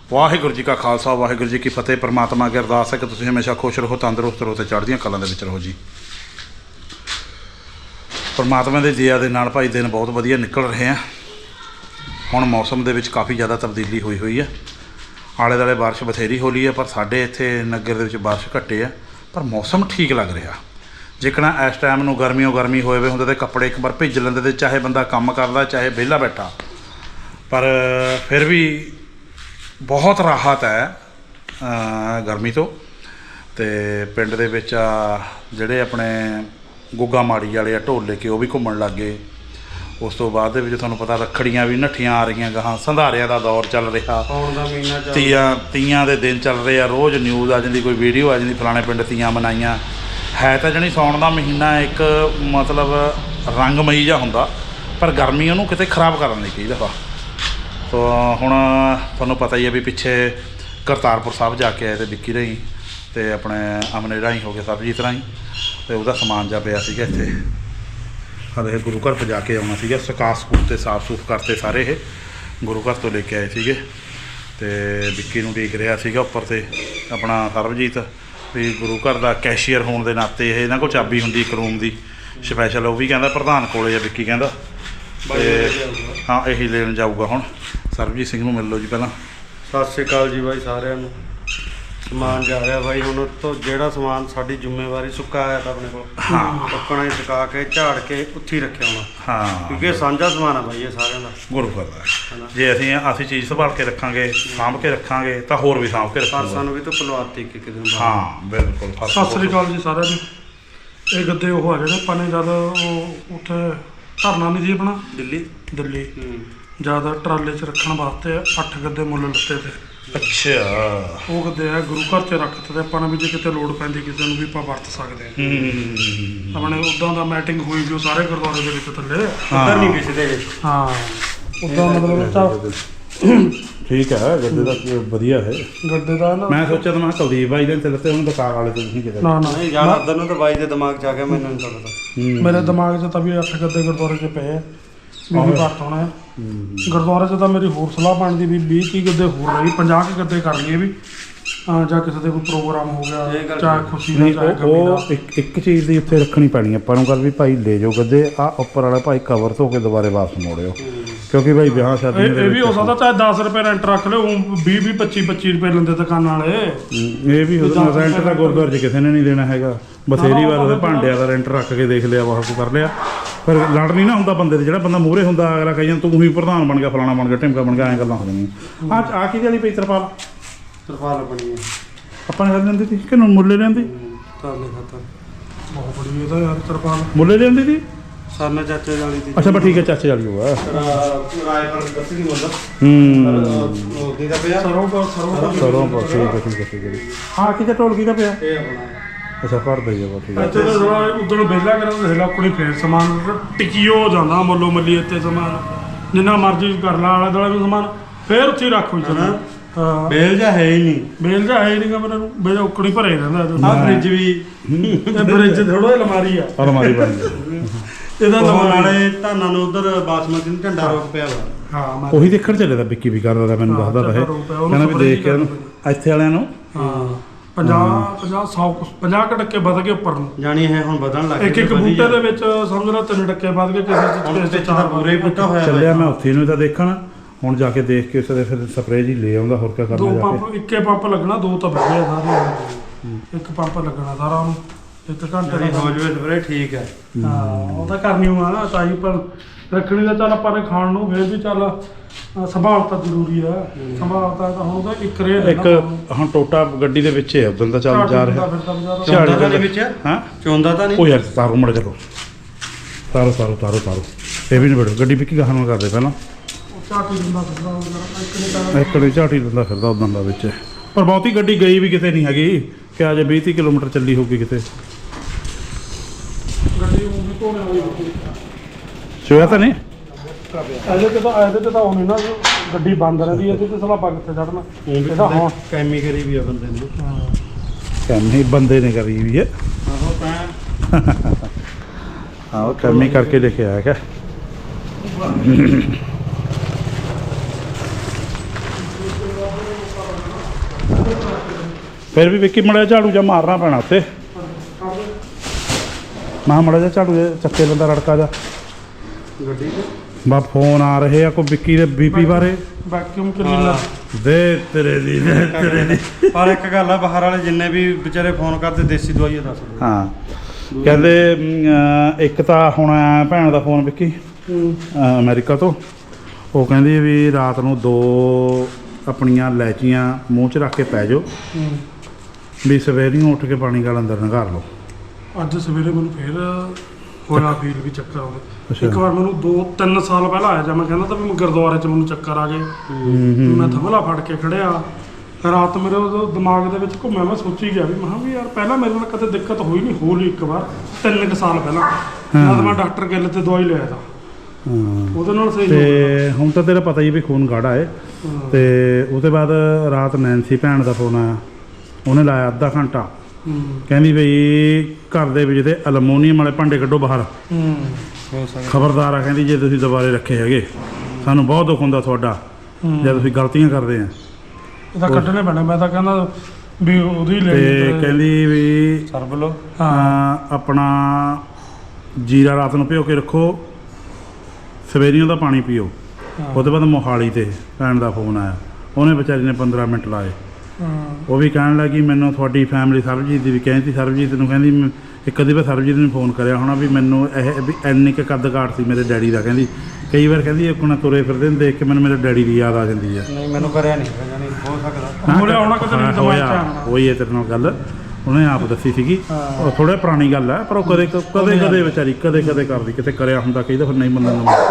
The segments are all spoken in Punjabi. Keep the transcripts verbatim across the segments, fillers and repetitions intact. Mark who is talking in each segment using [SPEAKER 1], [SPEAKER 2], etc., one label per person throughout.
[SPEAKER 1] ਵਾਹਿਗੁਰੂ ਜੀ ਕਾ ਖਾਲਸਾ ਵਾਹਿਗੁਰੂ ਜੀ ਕੀ ਫਤਿਹ। परमात्मा की अरदास है कि तुसीं हमेशा खुश रहो, तंदुरुस्त रहो, तो चढ़दियां कलां दे विच रहो जी। परमात्मा की दया दे नाल भाई दिन बहुत वधिया निकल रहे हैं। हुण मौसम दे विच काफ़ी ज़्यादा तब्दीली हुई हुई है। आले दुआले बारिश बथेरी हो ली है, पर साडे इत्थे नगर दे विच बारिश घट्टे है, पर मौसम ठीक लग रहा। जिकना इस टाइम नूं गर्मियों गर्मी होए वे हुंदे ते कपड़े एक बार भिज लैंदे ते चाहे बंदा काम करदा चाहे विहला बैठा, पर फिर भी बहुत राहत है गर्मी तो। तो पिंड दे विच जिहड़े अपने गुग्गा माड़ी वाले आ ढोले के वो भी घूमन लग गए। उस तो बाद दे विच तुहानूं पता रखड़ियां भी नट्ठियां आ रही गां, संधारियां दा दौर चल रहा, तीयां तीयां दे दिन चल रहे हैं। रोज़ न्यूज़ आ जाती, कोई वीडियो आ जाती, फलाने पिंड तीयां मनाइयां है। तो जणी सौण दा महीना एक मतलब रंगमई जिहा हुंदा, पर गर्मी उहनूं किते खराब करन लई कई दफ़ा। तो हुण तुहानूं पता ही है भी पिछे करतारपुर साहब जाके आए थे विक्की राही, तो अपने अमने राही हो गए, सरबजीत राही, तो वह समान जा पिया सीगा इत्थे। हले गुरु घर पजा के आउणा सीगा, सुका सकूते साफ सूफ करते सारे ये गुरु घर तो लेके आए सीगे। तो विक्की नूं उਡੀਕ रिहा सीगा उपर से अपना सरबजीत भी गुरु घर का कैशियर होने के नाते ये इन्हां कोल चाबी हुंदी एक रूम की स्पैशल, वो भी कहता प्रधान कोले आ विक्की कहता। हाँ यही लेन जाऊगा हुण। सरबजीत सिंह नूं मिल लो जी पहला।
[SPEAKER 2] सत श्री अकाल जी भाई सारिਆਂ ਨੂੰ। समान जा रहा भाई हुण तो ਜਿਹੜਾ समान साडी जिम्मेवारी सुक्का आया था अपने को, हाँ पक्कना ही सुका के झाड़ के उत्थे ही रखे होना, हाँ क्योंकि साझा समान है भाई ये साਰਿਆਂ ਦਾ गुरु घर
[SPEAKER 1] का। जे ਅਸੀਂ ਅਸੀਂ चीज़ संभाल के रखांगे, साਂभ के रखांगे, तो होर भी साਂभ के रखांगे।
[SPEAKER 2] ਸਾਨੂੰ भी तो पलवाती कि किदन
[SPEAKER 1] हाँ बिल्कुल।
[SPEAKER 3] सत श्री अकाल जी सारिਆਂ ਨੂੰ। ਇਹ ਗੱਦੇ ਉਹ ਆ ਜਿਹੜੇ ਆਪਾਂ ਨੇ ਜਦ ਉਹ ਉੱਥੇ ਧਰਨਾ ਨਹੀਂ ਸੀ ਆਪਣਾ
[SPEAKER 2] ਦਿੱਲੀ
[SPEAKER 3] ਦਿੱਲੀ ਜਦ ਟਰਾਲੇ 'ਚ ਰੱਖਣ ਵਾਸਤੇ ਅੱਠ ਗੱਦੇ ਮੁੱਲ ਲੱਤੇ ਤੇ।
[SPEAKER 1] ਅੱਛਾ
[SPEAKER 3] ਉਹ ਗੱਦੇ ਆ ਗੁਰੂ ਘਰ 'ਚ ਰੱਖਤੇ ਤੇ ਆਪਾਂ ਨੇ ਵੀ ਜੇ ਕਿਤੇ ਲੋੜ ਪੈਂਦੀ ਕਿਸੇ ਨੂੰ ਵੀ ਆਪਾਂ ਵਰਤ ਸਕਦੇ ਹਾਂ। ਆਪਣੇ ਉੱਦਾਂ ਦਾ ਮੈਟਿੰਗ ਹੋਈ ਵੀ ਉਹ ਸਾਰੇ ਗੁਰਦੁਆਰੇ ਦੇ ਵਿੱਚ ਥੱਲੇ
[SPEAKER 2] ਉੱਧਰ ਨਹੀਂ ਕਿਸੇ ਦੇ।
[SPEAKER 3] ਹਾਂ ਉੱਦਾਂ ਮਤਲਬ ਤਾਂ
[SPEAKER 1] ठीक है। गड्ढे का वधिया है
[SPEAKER 3] गड्ढे का ना। मैं
[SPEAKER 1] सोचा तो मैं कुलदीप भाई ने लते हूं दुकान वाले तो नहीं किते
[SPEAKER 3] ना ना
[SPEAKER 2] नहीं यार उधर नु तो भाई दे दिमाग च आ गया, मैंने नहीं पता।
[SPEAKER 3] मेरे दिमाग च तभी अठ गड्ढे गुरुद्वारे च पे है भी भी वरत होना है। गुरुद्वारे च तो मेरी होर सलाह बनदी भी बीस तीस गड्ढे होर रही, पचास गड्ढे कर लिए भी ਜਾਂ ਕਿਸੇ ਦੇ ਕੋਈ ਪ੍ਰੋਗਰਾਮ ਹੋ ਗਿਆ, ਚਾਹੇ ਖੁਸ਼ੀ ਦਾ ਚਾਹੇ ਗਮੀ ਦਾ।
[SPEAKER 1] ਉਹ ਇੱਕ ਇੱਕ ਚੀਜ਼ ਦੀ ਉੱਥੇ ਰੱਖਣੀ ਪੈਣੀ ਆਪਾਂ ਨੂੰ ਗੱਲ ਵੀ ਭਾਈ ਲੈ ਜਾਓ ਗੱਦੇ ਆ ਉੱਪਰ ਵਾਲਾ ਭਾਈ ਕਵਰ ਧੋ ਕੇ ਦੁਬਾਰੇ ਵਾਪਸ ਮੋੜਿਓ, ਕਿਉਂਕਿ ਭਾਈ ਵਿਆਹ ਸ਼ਾਦੀ
[SPEAKER 3] ਇਹ ਵੀ ਹੋ ਸਕਦਾ ਚਾਹੇ ਦਸ ਰੁਪਏ ਰੈਂਟ ਰੱਖ ਲਿਓ, ਵੀਹ ਵੀਹ ਪੱਚੀ ਪੱਚੀ ਰੁਪਏ ਲੈਂਦੇ ਦੁਕਾਨਾਂ ਵਾਲੇ।
[SPEAKER 1] ਇਹ ਵੀ ਰੈਂਟ ਦਾ ਗੁਰਦੁਆਰੇ 'ਚ ਕਿਸੇ ਨੇ ਨਹੀਂ ਦੇਣਾ ਹੈਗਾ। ਬਥੇਰੀ ਵਾਰ ਉਹਦੇ ਭਾਂਡਿਆਂ ਦਾ ਰੈਂਟ ਰੱਖ ਕੇ ਦੇਖ ਲਿਆ, ਵਾਹ ਕਰ ਲਿਆ, ਪਰ ਲੜ ਨਹੀਂ ਨਾ ਹੁੰਦਾ ਬੰਦੇ ਤੇ। ਜਿਹੜਾ ਬੰਦਾ ਮੂਹਰੇ ਹੁੰਦਾ ਅਗਲਾ ਕਹੀ ਜਾਂਦਾ ਤੂੰ ਹੀ ਪ੍ਰਧਾਨ ਬਣ ਗਿਆ, ਫਲਾਣਾ ਬਣ ਗਿਆ, ਢਿਮਕਾ ਬਣ ਗਿਆ, ਐਂ ਗੱਲਾਂ ਹੋ ਜਾਂਦੀਆਂ। ਆ ਆ ਕਿਹਦੇ ਵਾਲੀ ਪਈ ਤਰਪਾਲ?
[SPEAKER 2] ਤਰਪਾਲ ਬਣੀ ਹੈ
[SPEAKER 1] ਆਪਾਂ ਨੇ ਲੈਂਦੀ ਸੀ ਕਿ ਮੁੱਲੇ ਲੈਂਦੀ?
[SPEAKER 2] ਤਰਲੇ ਖਾਤਰ
[SPEAKER 3] ਬਹੁਤ ਬੜੀ ਇਹਦਾ ਯਾਰ ਤਰਪਾਲ
[SPEAKER 1] ਮੁੱਲੇ ਲੈਂਦੀ ਸੀ
[SPEAKER 2] ਸਾਨਾ ਚਾਚੇ ਵਾਲੀ ਦੀ।
[SPEAKER 1] ਅੱਛਾ ਬਸ ਠੀਕ ਹੈ, ਚਾਚੇ ਵਾਲੀ ਹੋਆ
[SPEAKER 2] ਰਾਏ ਪਰ ਦੱਸੀ ਨਹੀਂ ਬੋਲਦਾ।
[SPEAKER 1] ਹੂੰ
[SPEAKER 2] ਉਹਦੀ ਦਾ ਪਿਆ
[SPEAKER 3] ਸਰੋਂ ਦਾ ਸਰੋਂ
[SPEAKER 1] ਸਰੋਂ ਪਾ ਠੀਕ ਹੈ ਠੀਕ ਹੈ ਠੀਕ ਹੈ। ਹਾਂ ਕਿਤੇ ਢੋਲ ਕੀ ਦਾ ਪਿਆ?
[SPEAKER 2] ਇਹ ਆਪਣਾ
[SPEAKER 1] ਅੱਛਾ ਭਰ ਦੇ ਜਾ ਠੀਕ ਹੈ।
[SPEAKER 3] ਇੱਥੇ ਤਾਂ ਥੋੜਾ ਉਦੋਂ ਵਿਹਲਾ ਕਰਨ ਦੇ ਲੋਕੜੀ ਫੇਰ ਸਮਾਨ ਟਿਕਿਓ ਜਾਂਦਾ ਮੱਲੋ ਮੱਲੀ ਇੱਥੇ ਸਮਾਨ ਜਿੰਨਾ ਮਰਜ਼ੀ ਕਰ ਲਾ, ਆਲੇ ਦੁਆਲੇ ਵੀ ਸਮਾਨ ਫੇਰ ਉੱਥੇ ਰੱਖੋ ਜਨਾ। ਹਾਂ
[SPEAKER 2] ਬੇਲ ਜਾ ਹੈ ਹੀ ਨਹੀਂ,
[SPEAKER 3] ਬੇਲ ਜਾ ਹੈ ਨਹੀਂ ਗਾ ਮੈਨੂੰ, ਬੇਲ ਉਕੜੀ ਭਰੇ ਰਹਿੰਦਾ।
[SPEAKER 2] ਆ ਫ੍ਰਿਜ ਵੀ
[SPEAKER 3] ਇਹ ਫ੍ਰਿਜ ਥੋੜਾ ਅਲਮਾਰੀ ਆ,
[SPEAKER 1] ਅਲਮਾਰੀ ਬਣ ਗਈ
[SPEAKER 3] ਇਹਦਾ
[SPEAKER 2] ਨਾਲੇ ਧਾਨਾਂ ਨੂੰ ਉਧਰ ਬਾਸਮਤੀ ਨੂੰ ਝੰਡਾ ਰੋਕ ਪਿਆ ਵਾ।
[SPEAKER 3] ਹਾਂ ਮੈਂ
[SPEAKER 1] ਉਹੀ ਦੇਖਣ ਚੱਲੇ ਦਾ ਵਿੱਕੀ ਵੀ ਕਰਦਾ ਮੈਨੂੰ ਦੱਸਦਾ ਤਾਂ ਇਹ ਕਹਿੰਦਾ ਵੀ ਦੇਖ ਕੇ ਇੱਥੇ ਵਾਲਿਆਂ ਨੂੰ
[SPEAKER 3] ਹਾਂ ਪੰਜਾਹ ਪੰਜਾਹ ਸੌ ਪੰਜਾਹ ਕੁ ਟੱਕੇ ਵੱਧ ਗਏ ਉੱਪਰ ਨੂੰ
[SPEAKER 2] ਜਾਣੀ ਇਹ ਹੁਣ ਵਧਣ ਲੱਗ
[SPEAKER 3] ਇੱਕ ਇੱਕ ਬੂਟੇ ਦੇ ਵਿੱਚ ਸਮਝ ਲਾ ਤਿੰਨ ਟੱਕੇ ਵੱਧ ਗਏ, ਕਿਸੇ
[SPEAKER 2] ਵਿੱਚ ਤਾਂ ਪੂਰੇ ਹੀ ਬੂਟਾ ਹੋਇਆ
[SPEAKER 1] ਚੱਲਿਆ। ਮੈਂ ਉੱਥੇ ਨੂੰ ਤਾਂ ਦੇਖਣ ਹੁਣ ਜਾ ਕੇ ਦੇਖ ਕੇ ਉਸ ਦੇ ਫਿਰ ਸਪਰੇਅ ਜੀ ਲੈ ਆਉਂਦਾ, ਹੋਰ ਕੀ ਕਰਨਾ
[SPEAKER 3] ਦੋ
[SPEAKER 1] ਜਾ ਕੇ।
[SPEAKER 3] ਪੰਪ ਇੱਕੇ ਪੰਪ ਲੱਗਣਾ, ਦੋ ਤਾਂ ਬੈਠੇ ਸਾਰੇ, ਇੱਕ ਪੰਪ ਲੱਗਣਾ ਸਾਰਾ ਉਹਨੂੰ ਇੱਕ ਘੰਟੇ
[SPEAKER 2] ਜਿਹੜੀ
[SPEAKER 3] ਦਾ।
[SPEAKER 2] ਹੋ ਜਵੇ ਸਪਰੇ ਠੀਕ ਹੈ।
[SPEAKER 3] ਹਾਂ ਉਹ ਤਾਂ ਕਰਨੀ ਹੋਆ ਨਾ ਤਾਈ, ਪਰ ਰੱਖਣੀ ਦਾ ਚੱਲ ਆਪਾਂ ਨੇ ਖਾਣ ਨੂੰ ਫੇਰ ਵੀ ਚੱਲ ਸੰਭਾਲ ਤਾਂ ਜ਼ਰੂਰੀ ਆ। ਸੰਭਾਲ ਤਾਂ ਹੁਣ ਤਾਂ ਇੱਕ ਰੇ
[SPEAKER 1] ਇੱਕ ਹੁਣ ਟੋਟਾ ਗੱਡੀ ਦੇ ਵਿੱਚ ਹੈ ਉਦੋਂ ਦਾ ਚੱਲ ਜਾ ਰਿਹਾ
[SPEAKER 2] ਝਾੜੀ ਦੇ ਵਿੱਚ
[SPEAKER 1] ਹਾਂ
[SPEAKER 2] ਚੋਂਦਾ ਤਾਂ ਨਹੀਂ।
[SPEAKER 1] ਉਹ ਯਾਰ ਤਾਰੋ ਮੜ ਚਲੋ ਤਾਰੋ ਤਾਰੋ ਤਾਰੋ ਤਾਰੋ ਇਹ ਵੀ ਨਹੀਂ ਬੜੋ ਗੱਡੀ ਵਿੱਕੀ ਗਾਹਾਂ ਨੂੰ ਕਰਦੇ ਪਹਿਲਾਂ
[SPEAKER 3] ਝਾਟੀ ਦਿੰਦਾ ਫਿਰਦਾ ਇੱਕ ਨੇ
[SPEAKER 1] ਇੱਕ ਨੇ ਝਾਟੀ ਦਿੰਦਾ ਫਿਰਦਾ ਉਦੋਂ ਦਾ ਵਿੱਚ, ਪਰ ਬਹੁਤੀ ਗੱਡੀ ਗਈ ਵੀ ਕਿਤੇ ਨਹੀਂ ਹੈਗੀ ਕਿ ਅਜੇ ਵੀਹ ਤੀਹ ਕਿਲੋਮੀਟਰ ਚੱਲੀ ਹੋਊਗੀ ਕਿਤੇ।
[SPEAKER 3] ਗੱਡੀ ਉਹ ਵੀ ਧੋਣੇ ਵਾਲੀ ਹੋਊਗੀ।
[SPEAKER 1] ਚੋਇਆ ਤਾਂ ਨਹੀਂ
[SPEAKER 3] ਇਹਦੇ ਤੇ ਤਾਂ ਇਹਦੇ ਤੇ ਤਾਂ ਉਹ ਨਹੀਂ ਨਾ ਗੱਡੀ ਬੰਦ ਰਹਿੰਦੀ, ਇਹਦੇ ਤੇ ਸਾਲਾ ਬੱਗ ਤੇ ਚੜਨਾ ਇਹਦਾ ਹੁਣ
[SPEAKER 2] ਕੈਮੀ ਕਰੀ ਵੀ ਆ ਬੰਦੇ ਨੇ।
[SPEAKER 1] ਕੈਮੀ ਬੰਦੇ ਨੇ ਕਰੀ ਵੀ ਹੈ।
[SPEAKER 2] ਆਹੋ ਤਾਂ
[SPEAKER 1] ਹਾਂ ਉਹ ਕੈਮੀ ਕਰਕੇ ਲਿਖਿਆ ਹੈਗਾ। ਫਿਰ ਵੀ ਵਿੱਕੀ ਮੜਾ ਝਾੜੂ ਜਾਂ ਮਾਰਨਾ ਪੈਣਾ ਉੱਤੇ ਮੈਂ ਮੜਾ ਜਿਹਾ ਝਾੜੂ ਜਿਹਾ ਚੱਕੇ ਲੈਂਦਾ ਰੜਕਾ ਜਾ
[SPEAKER 2] ਗੱਡੀ 'ਚ
[SPEAKER 1] ਬਾ ਫੋਨ ਆ ਰਹੇ ਆ ਕੋਈ ਵਿੱਕੀ ਦੇ ਬੀਪੀ ਬਾਰੇ
[SPEAKER 3] ਵੈਕਿਊਮ ਕਲੀਨਰ
[SPEAKER 1] ਦੇ ਤੇਰੇ ਦੀ ਦੇ ਤੇਰੇ ਦੀ
[SPEAKER 2] ਪਰ ਇੱਕ ਗੱਲ ਆ ਬਾਹਰ ਵਾਲੇ ਜਿੰਨੇ ਵੀ ਵਿਚਾਰੇ ਫੋਨ ਕਰਦੇ ਦੇਸੀ ਦਵਾਈ ਆ ਦੱਸ
[SPEAKER 1] ਹਾਂ ਕਹਿੰਦੇ ਅਮ, ਇੱਕ ਤਾਂ ਹੁਣ ਆਇਆ ਭੈਣ ਦਾ ਫੋਨ ਵਿੱਕੀ ਅ, ਅਮਰੀਕਾ ਤੋਂ ਉਹ ਕਹਿੰਦੀ ਵੀ ਰਾਤ ਨੂੰ ਦੋ ਆਪਣੀਆਂ ਲੈਚੀਆਂ ਮੂੰਹ 'ਚ ਰੱਖ ਕੇ ਪੈ ਜਾਓ ਵੀ ਸਵੇਰੇ ਉੱਠ ਕੇ ਪਾਣੀ ਗਲ ਅੰਦਰ ਨਗਾਰ ਲਓ।
[SPEAKER 3] ਅੱਜ ਸਵੇਰੇ ਮੈਨੂੰ ਫੇਰ ਹੋਇਆ ਫੀਲ ਵੀ ਚੱਕਰ ਆਉਂਦੇ
[SPEAKER 1] ਅੱਛਾ।
[SPEAKER 3] ਇੱਕ ਵਾਰ ਮੈਨੂੰ ਦੋ ਤਿੰਨ ਸਾਲ ਪਹਿਲਾਂ ਆਇਆ ਜਾਂ ਮੈਂ ਕਹਿੰਦਾ ਤਾਂ ਵੀ ਮੈਂ ਗੁਰਦੁਆਰੇ 'ਚ ਮੈਨੂੰ ਚੱਕਰ ਆ ਗਏ ਮੈਂ ਥਮਲਾ ਫੜ ਕੇ ਖੜਿਆ ਰਾਤ ਮੇਰੇ ਉਦੋਂ ਦਿਮਾਗ ਦੇ ਵਿੱਚ ਘੁੰਮਿਆ ਮੈਂ ਸੋਚੀ ਗਿਆ ਵੀ ਮੈਂ ਕਿਹਾ ਵੀ ਯਾਰ ਪਹਿਲਾਂ ਮੇਰੇ ਨਾਲ ਕਦੇ ਦਿੱਕਤ ਹੋਈ ਨਹੀਂ ਹੋ ਲਈ ਇੱਕ ਵਾਰ ਤਿੰਨ ਕੁ ਸਾਲ ਪਹਿਲਾਂ ਜਦ ਮੈਂ ਡਾਕਟਰ ਗਿੱਲ ਤੇ ਦਵਾਈ ਲਿਆ ਤਾਂ
[SPEAKER 1] ਹਾਂ
[SPEAKER 3] ਉਹਦੇ ਨਾਲ ਸਹੀ ਹੋ ਗਿਆ।
[SPEAKER 1] ਤੇ ਹੁਣ ਤਾਂ ਤੇਰਾ ਪਤਾ ਹੀ ਵੀ ਖੂਨ ਗਾੜਾ ਹੈ ਤੇ ਉਹਦੇ ਬਾਅਦ ਰਾਤ ਨੈਂਸੀ ਭੈਣ ਦਾ ਫੋਨ ਆਇਆ ਉਹਨੇ ਲਾਇਆ ਅੱਧਾ ਘੰਟਾ
[SPEAKER 3] ਹੂੰ
[SPEAKER 1] ਕਹਿੰਦੀ ਬਈ ਘਰ ਦੇ ਵਿੱਚ ਤੇ ਅਲਮੋਨੀਅਮ ਵਾਲੇ ਭਾਂਡੇ ਕੱਢੋ ਬਾਹਰ
[SPEAKER 3] ਹੂੰ
[SPEAKER 2] ਹੋ ਸਕਦਾ
[SPEAKER 1] ਖਬਰਦਾਰ ਆ ਕਹਿੰਦੀ ਜੇ ਤੁਸੀਂ ਦੁਬਾਰੇ ਰੱਖੇ ਹੈਗੇ ਸਾਨੂੰ ਬਹੁਤ ਦੁੱਖ ਹੁੰਦਾ ਤੁਹਾਡਾ ਜੇ ਤੁਸੀਂ ਗਲਤੀਆਂ ਕਰਦੇ ਆ
[SPEAKER 3] ਇਹਦਾ ਕੱਢਣੇ ਪੈਣਾ ਮੈਂ ਤਾਂ ਕਹਿੰਦਾ ਵੀ ਉਹਦੀ ਲੈ
[SPEAKER 1] ਤੇ ਕਹਿੰਦੀ ਵੀ
[SPEAKER 2] ਸਰਬ ਲੋ
[SPEAKER 1] ਹਾਂ ਆਪਣਾ ਜੀਰਾ ਰਾਤ ਨੂੰ ਭਿਓ ਕੇ ਰੱਖੋ ਸਵੇਰੀਆਂ ਦਾ ਪਾਣੀ ਪੀਓ ਉਹਦੇ ਬਾਅਦ ਮੋਹਾਲੀ ਤੇ ਭੈਣ ਦਾ ਫੋਨ ਆਇਆ ਉਹਨੇ ਵਿਚਾਰੀ ਨੇ ਪੰਦਰਾਂ ਮਿੰਟ ਲਾਏ ਉਹ ਵੀ ਕਹਿਣ ਲੱਗੀ ਮੈਨੂੰ ਤੁਹਾਡੀ ਫੈਮਿਲੀ ਸਰਬਜੀਤ ਦੀ ਵੀ ਕਹਿੰਦੀ ਸਰਬਜੀਤ ਨੂੰ ਕਹਿੰਦੀ ਮੈਂ ਇੱਕ ਅੱਧੀ ਵਾਰ ਸਰਬਜੀਤ ਨੂੰ ਫੋਨ ਕਰਿਆ ਹੋਣਾ ਵੀ ਮੈਨੂੰ ਇਹ ਵੀ ਇੰਨੀ ਕੁ ਕੱਦ ਕਾਠ ਸੀ ਮੇਰੇ ਡੈਡੀ ਦਾ ਕਹਿੰਦੀ ਕਈ ਵਾਰ ਕਹਿੰਦੀ ਆਪਣਾ ਤੁਰੇ ਫਿਰਦੇ ਨੂੰ ਦੇਖ ਕੇ ਮੈਨੂੰ ਮੇਰੇ ਡੈਡੀ ਦੀ ਯਾਦ ਆ ਜਾਂਦੀ ਆ
[SPEAKER 2] ਨਹੀਂ ਮੈਨੂੰ ਕਰਿਆ ਨਹੀਂ ਜਾਨੀ ਹੋ ਸਕਦਾ
[SPEAKER 3] ਹੋਇਆ ਹੋਣਾ ਕਿਤੇ ਨਹੀਂ ਦਿਮਾਗ 'ਚ ਆਉਣਾ।
[SPEAKER 1] ਹੋਈ ਹੈ ਤੇਰੇ ਨਾਲ ਗੱਲ ਉਹਨੇ ਆਪ ਦੱਸੀ ਸੀਗੀ ਉਹ ਥੋੜਾ ਪੁਰਾਣੀ ਗੱਲ ਹੈ ਪਰ ਉਹ ਕਦੇ ਕਦੇ ਕਦੇ ਵਿਚਾਰੀ ਕਦੇ ਕਦੇ ਕਰਦੀ ਕਿਤੇ ਕਰਿਆ ਹੁੰਦਾ ਕਈ ਦਫਾ ਨਹੀਂ ਮੰਨਣ ਨੂੰ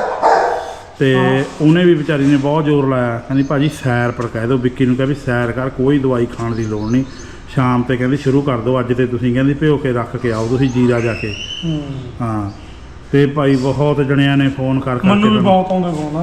[SPEAKER 1] ਤੇ ਉਹਨੇ ਵੀ ਵਿਚਾਰੀ ਨੇ ਬਹੁਤ ਜ਼ੋਰ ਲਾਇਆ ਕਹਿੰਦੀ ਭਾਜੀ ਸੈਰ ਪਰ ਕਹਿ ਦਿਓ ਵਿੱਕੀ ਨੂੰ ਕਿਹਾ ਵੀ ਸੈਰ ਕਰ ਕੋਈ ਦਵਾਈ ਖਾਣ ਦੀ ਲੋੜ ਨਹੀਂ ਸ਼ਾਮ ਤੇ ਕਹਿੰਦੀ ਸ਼ੁਰੂ ਕਰ ਦਿਓ ਅੱਜ ਤੇ ਤੁਸੀਂ ਕਹਿੰਦੀ ਭਿਓ ਕੇ ਰੱਖ ਕੇ ਆਓ ਤੁਸੀਂ ਜੀਰਾ ਜਾ ਕੇ ਹਾਂ ਤੇ ਭਾਈ ਬਹੁਤ ਜਣਿਆਂ ਨੇ ਫੋਨ ਕਰ ਕਰਕੇ
[SPEAKER 3] ਮੈਨੂੰ ਵੀ ਬਹੁਤ ਆਉਂਦੇ ਫੋਨ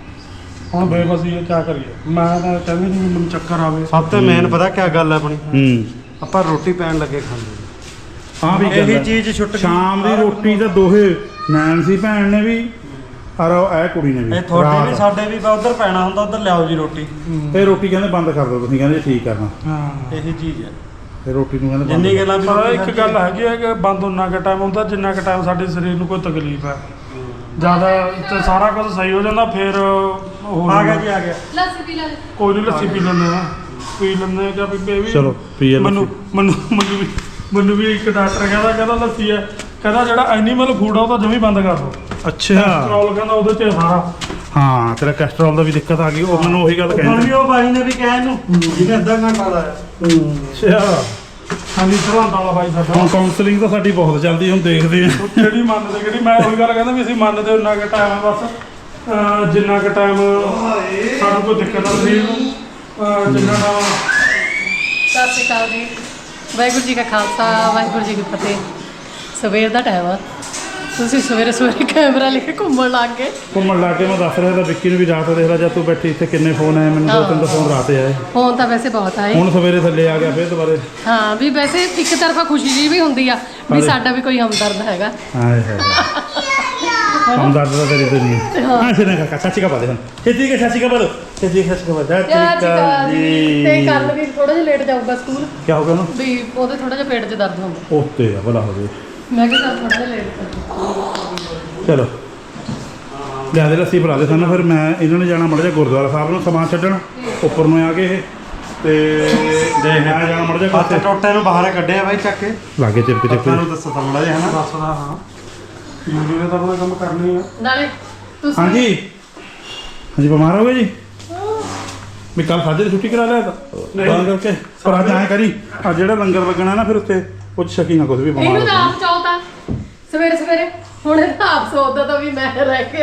[SPEAKER 3] ਹੁਣ ਬੇਬਸੀ ਹੈ ਕੀ ਕਰੀਏ ਮੈਂ ਤਾਂ ਕਹਿੰਦੀ ਨਹੀਂ ਮੈਨੂੰ ਚੱਕਰ ਆਵੇ
[SPEAKER 2] ਸਭ ਤੋਂ ਮੇਨ ਪਤਾ ਕੀ ਗੱਲ ਹੈ ਆਪਣੀ
[SPEAKER 1] ਹੂੰ
[SPEAKER 2] ਆਪਾਂ ਰੋਟੀ ਪੈਣ ਲੱਗੇ ਖਾਂਦੇ
[SPEAKER 1] ਹਾਂ ਵੀ
[SPEAKER 2] ਇਹੀ
[SPEAKER 1] ਗੱਲ ਹੈ।
[SPEAKER 2] ਚੀਜ਼ ਛੁੱਟ ਗਈ।
[SPEAKER 1] ਸ਼ਾਮ ਦੀ ਰੋਟੀ ਤਾਂ ਦੋਹੇ ਨੈਨਸੀ ਭੈਣ ਨੇ ਵੀ ਔਰ ਇਹ ਕੁੜੀ ਨੇ ਵੀ
[SPEAKER 2] ਇਹ ਤੁਹਾਡੇ ਵੀ
[SPEAKER 1] ਰਾਤ।
[SPEAKER 2] ਸਾਡੇ ਵੀ ਉਧਰ ਪੈਣਾ ਹੁੰਦਾ ਉਧਰ ਲਿਆਓ ਜੀ ਰੋਟੀ
[SPEAKER 1] ਇਹ ਰੋਟੀ ਕਹਿੰਦੇ ਬੰਦ ਕਰ ਦਿਓ ਤੁਸੀਂ ਕਹਿੰਦੇ ਠੀਕ ਕਰਨਾ
[SPEAKER 3] ਹਾਂ
[SPEAKER 2] ਇਹੀ ਚੀਜ਼ ਹੈ
[SPEAKER 1] ਇਹ ਰੋਟੀ ਨੂੰ ਕਹਿੰਦੇ ਬੰਦ
[SPEAKER 2] ਜਿੰਨੀ ਗੱਲਾਂ ਵੀ
[SPEAKER 3] ਪਰ
[SPEAKER 2] ਰੋਟੀ
[SPEAKER 3] ਇੱਕ
[SPEAKER 2] ਖਾਧੀ
[SPEAKER 3] ਗੱਲ ਹੈਗੀ ਹੈ ਕਿ ਬੰਦ ਉਨਾ ਕੁ ਟਾਈਮ ਹੁੰਦਾ ਜਿੰਨਾ ਕੁ ਟਾਈਮ ਸਾਡੇ ਸਰੀਰ ਨੂੰ ਕੋਈ ਤਕਲੀਫ ਹੈ ਜਿਆਦਾ ਤੇ ਸਾਰਾ ਕੁਝ ਸਹੀ ਹੋ ਜਾਂਦਾ ਫਿਰ ਉਹ
[SPEAKER 2] ਆ ਗਿਆ ਜੀ ਆ ਗਿਆ
[SPEAKER 4] ਲੱਸੀ ਪੀ ਲੈ
[SPEAKER 3] ਕੋਈ ਨਹੀਂ ਲੱਸੀ ਪੀ ਲੈਂਦੇ ਆ ਪੀ ਲੈਂਦੇ ਆ ਕਿ ਵੀ ਇਹ ਵੀ
[SPEAKER 1] ਚਲੋ, ਪੀਏ ਲੱਸੀ।
[SPEAKER 3] ਮੈਨੂੰ ਮੈਨੂੰ ਮੈਨੂੰ ਵੀ ਮੈਨੂੰ ਵੀ ਇੱਕ ਡਾਕਟਰ ਕਹਿੰਦਾ ਕਹਿੰਦਾ ਲੱਸੀ ਹੈ ਕਹਿੰਦਾ ਜਿਹੜਾ ਐਨੀਮਲ ਫੂਡ ਆ ਉਹ ਤਾਂ ਜਮੀ ਬੰਦ ਕਰ ਦੋ
[SPEAKER 1] ਅੱਛਾ
[SPEAKER 3] ਪੈਟਰੋਲ ਕਹਿੰਦਾ ਉਹਦੇ ਚ ਸਾਰਾ
[SPEAKER 1] ਹਾਂ ਤੇਰਾ ਕੋਲੇਸਟ੍ਰੋਲ ਦਾ ਵੀ ਦਿੱਕਤ ਆ ਗਈ ਉਹ ਮੈਨੂੰ ਉਹੀ ਗੱਲ
[SPEAKER 2] ਹੁਣ
[SPEAKER 1] ਕਹਿੰਦੇ
[SPEAKER 2] ਵੀ ਉਹ ਬਾਈ ਨੇ ਵੀ ਕਿਹਾ ਇਹਨੂੰ ਜਿਹਨੇ ਅੱਧਾ ਘੰਟਾ ਲਾਇਆ
[SPEAKER 1] ਅੱਛਾ
[SPEAKER 3] ਹਾਂਜੀ ਸਰਹੰਦ ਵਾਲਾ ਬਾਈ ਸਾਡਾ
[SPEAKER 1] ਹੁਣ ਕਾਉਂਸਲਿੰਗ ਤਾਂ ਸਾਡੀ ਬਹੁਤ ਚੱਲਦੀ ਹੁਣ ਦੇਖਦੇ ਆ
[SPEAKER 3] ਉਹ ਕਿਹੜੀ ਮੰਨਦੇ ਕਿਹੜੀ ਮੈਂ ਉਹੀ ਗੱਲ ਕਹਿੰਦਾ ਵੀ ਅਸੀਂ ਮੰਨਦੇ ਉਨਾ ਕੁ ਟਾਈਮ ਹੈ ਬਸ ਅਹ ਜਿੰਨਾ ਕੁ ਟਾਈਮ ਸਾਨੂੰ ਕੋਈ ਦਿੱਕਤ ਆ ਸਰੀਰ ਨੂੰ ਅਹ ਜਿੰਨਾ ਟਾਈਮ
[SPEAKER 4] ਸਤਿ ਸ਼੍ਰੀ ਅਕਾਲ ਜੀ ਵਾਹਿਗੁਰੂ ਜੀ ਕਾ ਖਾਲਸਾ ਵਾਹਿਗੁਰੂ ਜੀ ਕੀ ਫਤਿਹ ਸਵੇਰ ਦਾ ਟਾਈਮ ਆ ਤੁਸੀਂ ਸਵੇਰੇ ਸਵੇਰੇ ਕੈਮਰਾ ਲੈ ਕੇ ਘੁੰਮਣ ਲੱਗ ਗਏ
[SPEAKER 1] ਘੁੰਮਣ ਲੱਗ ਕੇ ਮੈਂ ਦੱਸ ਰਿਹਾ ਤਾਂ ਵਿੱਕੀ ਨੂੰ ਵੀ ਰਾਤ ਦੇਖ ਲੈ ਜਦ ਤੂੰ ਬੈਠੀ ਇੱਥੇ ਕਿੰਨੇ ਫੋਨ ਆਏ ਮੈਨੂੰ ਦੋ ਤਿੰਨ ਤਾਂ ਫੋਨ ਰਾਤ ਆਏ
[SPEAKER 4] ਫੋਨ ਤਾਂ ਵੈਸੇ ਬਹੁਤ ਆਏ
[SPEAKER 1] ਹੁਣ ਸਵੇਰੇ ਥੱਲੇ ਆ ਗਿਆ ਫਿਰ ਦੁਬਾਰੇ
[SPEAKER 4] ਹਾਂ ਵੀ ਵੈਸੇ ਇੱਕ ਤਰਫਾ ਖੁਸ਼ੀ ਜੀ ਵੀ ਹੁੰਦੀ ਆ ਵੀ ਸਾਡਾ ਵੀ ਕੋਈ ਹਮਦਰਦ ਹੈਗਾ
[SPEAKER 1] ਹਾਏ ਹਾਏ ਹਮ ਦਰਦ ਦਾ ਤੇਰੀ ਦੁਨੀਆ ਹਾਂ ਸਿਰ ਨਾ ਚਾਚੀ ਕਾ ਬਾਦੇ ਹਨ ਛੇਤੀ ਕੇ ਚਾਚੀ ਕਾ ਬਾਦੋ ਛੇਤੀ ਕੇ ਚਾਚੀ ਕਾ ਬਾਦਾ
[SPEAKER 4] ਯਾਰ ਜੀ ਤੇ ਕੱਲ ਵੀ ਥੋੜਾ ਜਿਹਾ ਲੇਟ ਜਾਊਗਾ ਸਕੂਲ
[SPEAKER 1] ਕੀ ਹੋ ਗਿਆ ਉਹਨੂੰ
[SPEAKER 4] ਵੀ ਉਹਦੇ ਥੋੜਾ ਜਿਹਾ ਪੇਟ 'ਚ ਦਰਦ ਹੁੰਦਾ
[SPEAKER 1] ਉੱਤੇ ਆ ਭਲਾ ਹੋ ਗਏ
[SPEAKER 4] ਮੈਂ ਕਿਹਾ ਚੱਲ ਥੋੜਾ ਜਿਹਾ ਲੇਟ ਕਰ
[SPEAKER 1] ਚਲੋ ਲਿਆ ਦੇ ਲੱਸੀ ਬਣਾ ਦੇ ਸਾਨੂੰ ਫਿਰ ਮੈਂ ਇਹਨਾਂ ਨੇ ਜਾਣਾ ਮੜ ਜਾ ਗੁਰਦੁਆਰਾ ਸਾਹਿਬ ਨੂੰ ਸਮਾਨ ਛੱਡਣ ਉੱਪਰ ਨੂੰ ਆ ਗਏ ਇਹ ਤੇ ਦੇਖ ਮੈਂ ਜਾਣਾ ਮੜ ਜਾ
[SPEAKER 2] ਹੱਥ
[SPEAKER 1] ਕੋਤੇ
[SPEAKER 2] ਟੋਟੇ ਨੂੰ ਬਾਹਰ ਕੱਢਿਆ ਬਾਈ ਚੱਕ ਕੇ
[SPEAKER 1] ਲਾਗੇ ਚਿਪਕ ਚਿਪਕ
[SPEAKER 2] ਤੁਹਾਨੂੰ ਦੱਸੋ ਤਾਂ ਮੜਾ ਜਿਹਾ ਹਨਾ
[SPEAKER 3] ਦੱਸਦਾ ਹਾਂ ਯੂਰੀ ਨੇ ਤਾਂ ਆਪਣਾ ਕੰਮ ਕਰਨੀ ਆ
[SPEAKER 4] ਨਾਲੇ ਤੁਸੀਂ
[SPEAKER 1] ਹਾਂਜੀ ਹਾਂਜੀ ਬਿਮਾਰ ਹੋ ਗਏ ਜੀ ਮੈਂ ਕੱਲ ਸਾਜੇ ਦੀ ਛੁੱਟੀ ਕਰਾ ਲਿਆ ਤਾਂ ਤਾਂ ਕਰਕੇ ਪਰ ਅੱਜ ਐਂ ਕਰੀ ਆ ਜਿਹੜਾ ਲੰਗਰ ਲੱਗਣਾ ਨਾ ਫਿਰ ਉੱਤੇ ਕੁਝ ਸ਼ੱਕੀ ਨਾ ਕੁਝ ਵੀ ਬਿਮਾਰ
[SPEAKER 4] ਇਹਨੂੰ
[SPEAKER 1] ਹੋ
[SPEAKER 4] ਤਾਂ
[SPEAKER 1] ਜਾਣਾ।
[SPEAKER 4] ਆਪ ਚਾਹਤਾ ਸਵੇਰੇ ਸਵੇਰੇ ਹੁਣ ਇਹ ਤਾਂ ਆਪ ਸੋਚਦਾ ਤਾਂ ਵੀ ਮੈਂ ਰਹਿ ਗਿਆ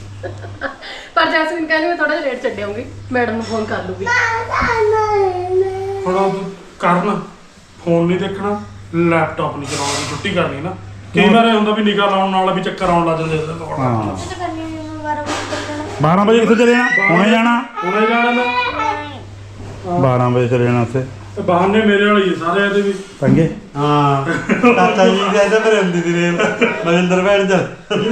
[SPEAKER 4] ਪਰ ਜੈਸਮੀਨ ਕਹਿੰਦੀ ਮੈਂ ਥੋੜਾ ਜਿਹਾ ਲੇਟ ਛੱਡਿਆਉਂਗੀ ਮੈਡਮ ਨੂੰ ਫੋਨ ਕਰ ਲੂਗੀ
[SPEAKER 3] ਹੁਣ ਉਹ ਕਰਨ ਫੋਨ ਨਹੀਂ ਦੇਖਣਾ ਲੈਪਟਾਪ ਨਹੀਂ ਚਲਾਉਣਾ ਦੀ ਛੁੱਟੀ ਕਰਨੀ ਨਾ ਕਈ ਵਾਰ ਇਹ ਹੁੰਦਾ ਵੀ ਨਿਗਾਹ ਲਾਉਣ ਨਾਲ ਵੀ ਚੱਕਰ ਆਉਣ ਲੱਗ ਜਾਂਦੇ ਇਹਦੇ ਕੋਲ
[SPEAKER 1] ਹਾਂ ਬਾਰਾਂ ਵਜੇ ਕਿੱਥੇ ਚਲੇ ਜਾਣਾ ਹੁਣੇ ਜਾਣਾ
[SPEAKER 3] ਉਹਨੇ ਜਾਣਾ ਨਾ
[SPEAKER 1] ਬਾਰਾਂ ਵਜੇ ਚਲੇ ਜਾਣਾ ਉੱਥੇ
[SPEAKER 3] ਤੇ ਬਹਾਨੇ ਮੇਰੇ ਵਾਲੀ ਆ ਸਾਰੇ ਇਹਦੇ ਵੀ
[SPEAKER 1] ਪੰਗੇ
[SPEAKER 2] ਹਾਂ ਚਾਚਾ ਜੀ ਦੇ ਇਹਦੇ ਪਰ ਹੁੰਦੀ ਸੀ ਰੇਲ ਮਨਿੰਦਰ ਭੈਣ ਚ